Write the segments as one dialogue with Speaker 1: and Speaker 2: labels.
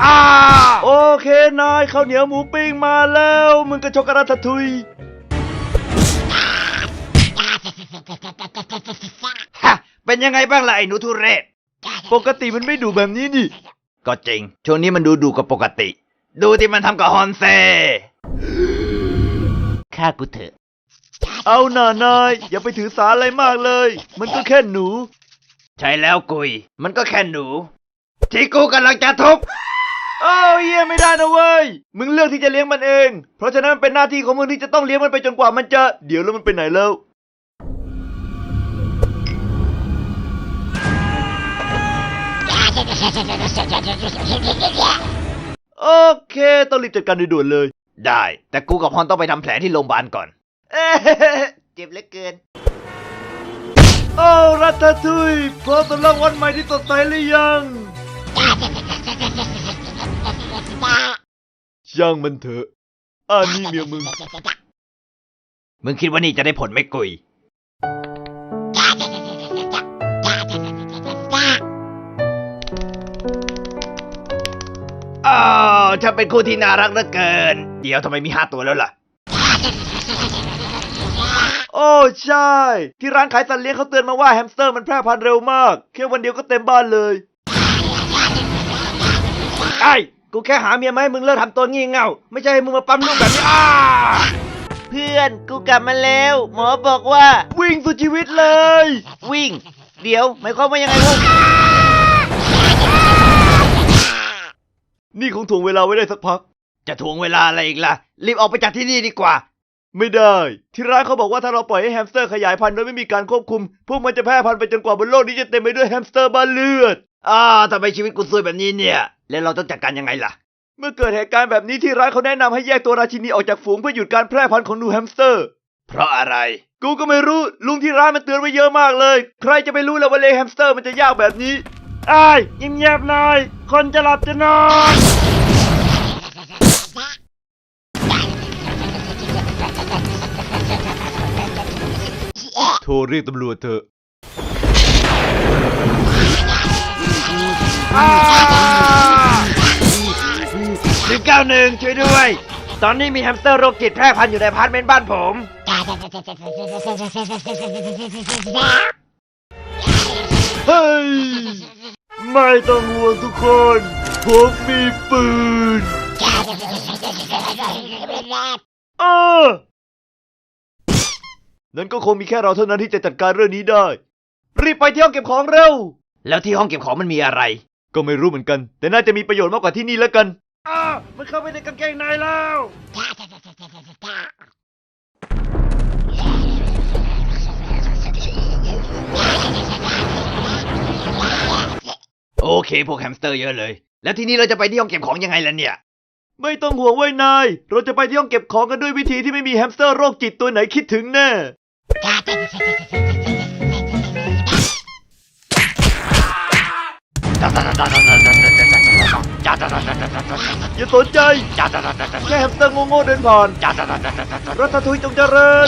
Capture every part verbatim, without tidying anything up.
Speaker 1: อ่าโอเคนายข้าวเหนียวหมูปิ้งมาแล้วมึงก็ช็อกโกแลตทุยฮะเป็นยังไงบ้างล่ะไอ้หนูทุเรศปกติมันไม่ดุแบบนี้นี่ก็จริงช่วงนี้มันดูดุกว่าปกติดูที่มันทำกับฮอนเซ่ฆ่ากูเถอะเอาหน่านายอย่าไปถือสาอะไรมากเลยมันก็แค่หนูใช่แล้วกุยมันก็แค่หนูที่กูกำลังจะทุบโอ้ยเยี่ยไม่ได้นะเว้ยมึงเลือกที่จะเลี้ยงมันเองเพราะฉะนั้นเป็นหน้าที่ของมึงที่จะต้องเลี้ยงมันไปจนกว่ามันจะเดี๋ยวแล้วมันไปไหนแล้วโอเคต้องรีบจัดการด่วนเลยได้แต่กูกับฮอนต้องไปทำแผลที่โรงพยาบาลก่อนเอ๊ะเจ็บเหลือเกินโอ้รัตทุยพร้อมสำหรับวันใหม่ที่สดใสหรือยังช่างมันเถอะอันนี้เมียมึงมึงคิดว่านี่จะได้ผลไหมกุยอ้าวฉันเป็นคู่ที่น่ารักเหลือเกินเดี๋ยวทำไมมีห้าตัวแล้วล่ะโอ้ใช่ที่ร้านขายสัตว์เลี้ยงเขาเตือนมาว่าแฮมสเตอร์มันแพร่พันธุ์เร็วมากแค่วันเดียวก็เต็มบ้านเลยไอ้กูแค่หาเมียมาให้มึงเลิกทำตัวงี่เง่าไม่ใช่ให้มึงมาปั๊มลูกแบบนี้อ้าเพื่อนกูกลับมาแล้วหมอบอกว่าวิ่งสุดชีวิตเลยวิ่งเดี๋ยวหมายความว่ายังไงวะนี่คงถ่วงเวลาไว้ได้สักพักจะถ่วงเวลาอะไรอีกล่ะรีบออกไปจากที่นี่ดีกว่าไม่ได้ที่ร้านเขาบอกว่าถ้าเราปล่อยให้แฮมสเตอร์ขยายพันธุ์โดยไม่มีการควบคุมพวกมันจะแพร่พันธุ์ไปจนกว่าบนโลกนี้จะเต็มไปด้วยแฮมสเตอร์บ้าเลือดอ่าทำไมชีวิตกูซวยแบบนี้เนี่ยแล้วเราต้องจัดการยังไงล่ะเมื่อเกิดเหตุการณ์แบบนี้ที่ร้านเขาแนะนำให้แยกตัวราชินีออกจากฝูงเพื่อหยุดการแพร่พันธุ์ของหนูแฮมสเตอร์เพราะอะไรกูก็ไม่รู้ลุงที่ร้านมันเตือนไว้เยอะมากเลยใครจะไปรู้ล่ะว่าเลี้ยงแฮมสเตอร์มันจะยากแบบนี้อ้ายเงียบๆหน่อยคนจะหลับจะนอนโทรเรียกตำรวจเถอะหนึ่งเก้าหนึ่งช่วยด้วยตอนนี้มีแฮมสเตอร์โรคจิตแพร่พันธุ์อยู่ในอพาร์ตเมนต์บ้านผมเฮ้ยไม่ต้องห่วงทุกคนผมมีปืนเออนั้นก็คงมีแค่เราเท่านั้นที่จะจัดการเรื่องนี้ได้รีบไปที่ห้องเก็บของเร็วแล้วที่ห้องเก็บของมันมีอะไรก็ไม่รู้เหมือนกันแต่น่าจะมีประโยชน์มากกว่าที่นี่แล้วกันอ้าวมันเข้าไปในกางเกงในแล้วโอเคพวกแฮมสเตอร์เยอะเลยแล้วทีนี้เราจะไปที่ห้องเก็บของยังไงล่ะเนี่ยไม่ต้องห่วงไว้นายเราจะไปที่ห้องเก็บของกันด้วยวิธีที่ไม่มีแฮมสเตอร์โรคจิตตัวไหนคิดถึงแน่อย่าสนใจแค่แฮมสเตอร์โง่ๆเดินผ่านรัตทุยจงเจริญ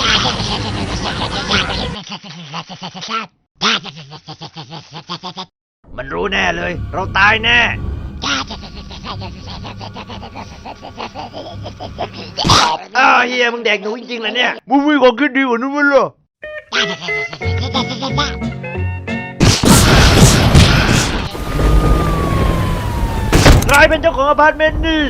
Speaker 1: มันรู้แน่เลยเราตายแน่อ้าวเฮียมึงแดกหนูจริงๆเหรอเนี่ยมึงมีความคิดดีกว่านั้นมั้ยล่ะใครเป็นเจ้าของอพาร์ตเมนต์นี่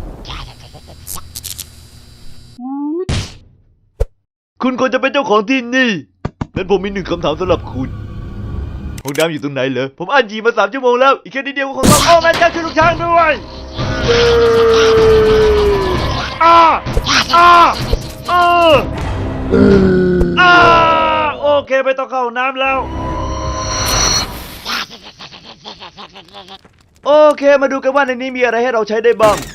Speaker 1: คุณควรจะเป็นเจ้าของที่นี่งั้นผมมีหนึ่งคำถามสำหรับคุณห้องน้ำอยู่ตรงไหนเหรอผมอ่านยีมาสามชั่วโมงแล้วอีกแค่นิดเดียวก็คงต้องโอ้แม่เจ้าช่วยลูกช้างด้วยอ้าอ้าอ้าอ้าโอเคไม่ต้องเข้าน้ำแล้วโอเคมาดูกันว่าในนี้มีอะไรให้เราใช้ได้บ้าง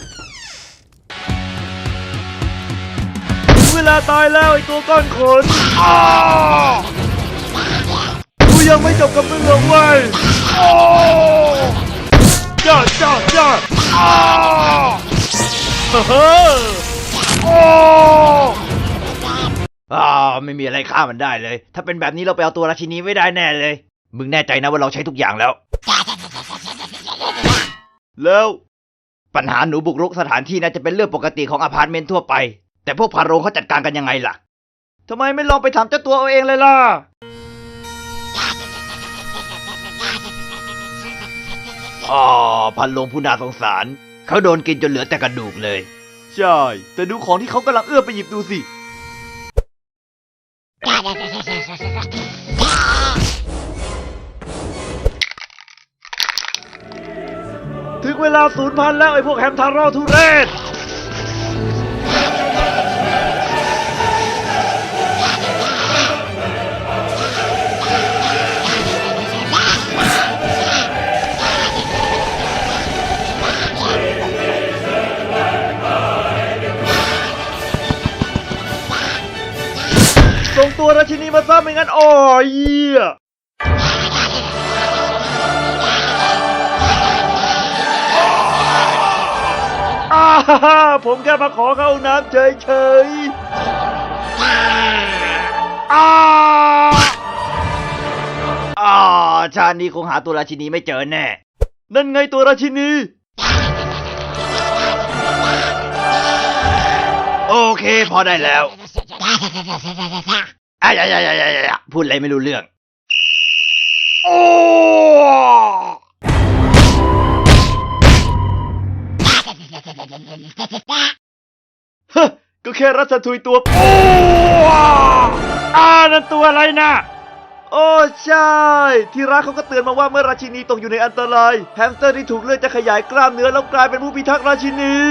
Speaker 1: ถึงเวลาตายแล้วไอ้ตัวก้อนขนอ้ากูยังไม่จบกับมึงหรอกเว้ยโอ้จ้าจ้าจ้าอ้าเฮ้อโอ้อ่าไม่มีอะไรฆ่ามันได้เลยถ้าเป็นแบบนี้เราไปเอาตัวราชินีไม่ได้แน่เลยมึงแน่ใจนะว่าเราใช้ทุกอย่างแล้วแล้วปัญหาหนูบุกรุกสถานที่น่าจะเป็นเรื่องปกติของอพาร์ตเมนต์ทั่วไปแต่พวกพาโรงเขาจัดการกันยังไงล่ะทำไมไม่ลองไปถามเจ้าตัวเอาเองเลยล่ะอ๋อพันโรงผู้น่าสงสารเขาโดนกินจนเหลือแต่กระดูกเลยใช่แต่ดูของที่เขากำลังเอื้อมไปหยิบดูสิถึงเวลาสูญพันธุ์แล้วไอ้พวกแฮมทาโร่ทุเรศส่งตัวราชินีมาซะไม่งั้นอ๋อเยี่ยอ่าฮ่าผมแค่มาขอเข้าน้ำเฉยๆอ่าอ่าชาตินี้คงหาตัวราชินีไม่เจอแน่ นั่นไงตัวราชินี โอเคพอได้แล้วอ่ะอย่าอย่าอย่าอย่าพูดอะไรไม่รู้เรื่องโอ้ฮะก็แค่รัชทุยตัวโอ้อ่านั่นตัวอะไรนะโอ้ใช่ที่รักเขาก็เตือนมาว่าเมื่อราชินีตกอยู่ในอันตรายแฮมสเตอร์ที่ถูกเลือดจะขยายกล้ามเนื้อแล้วกลายเป็นผู้พิทักษ์ราชินี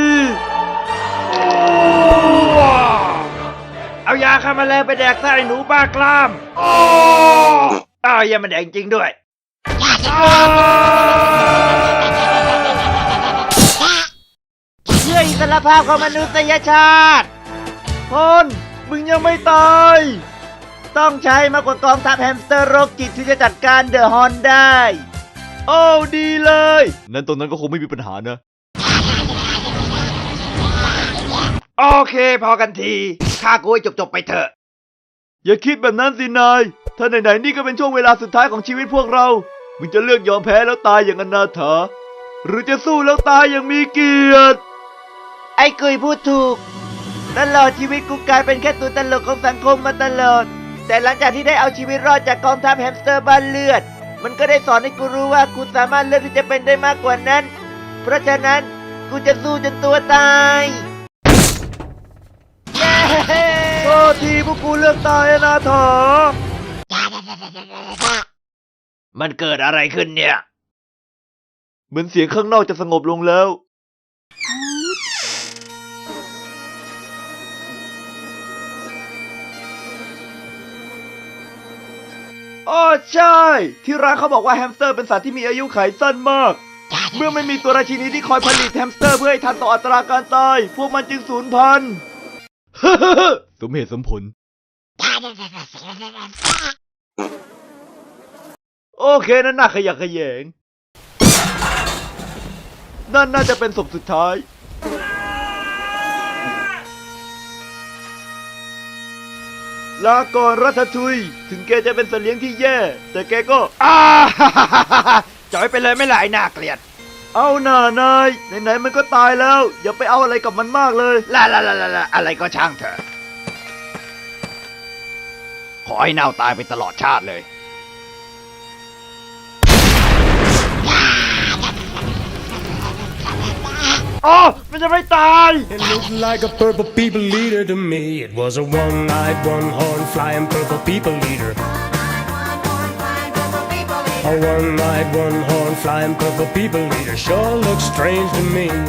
Speaker 1: เอายาฆ่าแมลงไปแดกไส้หนูบ้ากล้ามโอ้อ้าวยามันแดกจริงด้วยเพื่ออิสรภาพของมนุษยชาติพลมึงยังไม่ตายต้องใช้มากกว่ากองทัพแฮมสเตอร์โรคจิตที่จะจัดการเดอะฮอนได้โอ้ดีเลยนั้นตรงนั้นก็คงไม่มีปัญหานะโอเคพอกันทีฆ่ากูให้จบๆไปเถอะอย่าคิดแบบนั้นสินายถ้าไหนๆนี่ก็เป็นช่วงเวลาสุดท้ายของชีวิตพวกเรามึงจะเลือกยอมแพ้แล้วตายอย่างอนาถาหรือจะสู้แล้วตายอย่างมีเกียรติไอ้กุยพูดถูกตลอดชีวิตกูกลายเป็นแค่ตัวตลกของสังคมมาตลอดแต่หลังจากที่ได้เอาชีวิตรอดจากกองทัพแฮมสเตอร์บ้านเลือดมันก็ได้สอนให้กูรู้ว่ากูสามารถเลือกที่จะเป็นได้มากกว่านั้นเพราะฉะนั้นกูจะสู้จนตัวตายเย้โทษทีพวกกูเลือกตายนะเถอมันเกิดอะไรขึ้นเนี่ยเหมือนเสียงข้างนอกจะสงบลงแล้วอ๋อใช่ที่ร้านเขาบอกว่าแฮมสเตอร์เป็นสัตว์ที่มีอายุขัยสั้นมากเมื่อไม่มีตัวราชินีที่คอยผลิตแฮมสเตอร์เพื่อให้ทันต่ออัตราการตายพวกมันจึงสูญพันธุ์ สมเหตุสมผลโอเคนั่นน่าขยะแขยงนั่นน่าจะเป็นศพสุดท้ายลาก่อนรัฐทุยถึงแกจะเป็นสัตว์เลี้ยงที่แย่แต่แกก็อ้าจ่อยไปเลยไม่หลายน่าเกลียดเอาหน่านายไหนๆมันก็ตายแล้วอย่าไปเอาอะไรกับมันมากเลยล่ะล่ะล่ะล่ะอะไรก็ช่างเถอะขอให้เน่าตายไปตลอดชาติเลยอ๋อมันจะไม่ตาย
Speaker 2: It looked like a purple people leader to me. It was a one-eyed, one-horn flying purple people leader. A one-eyed, one-horn flying purple people leader sure looks strange to me.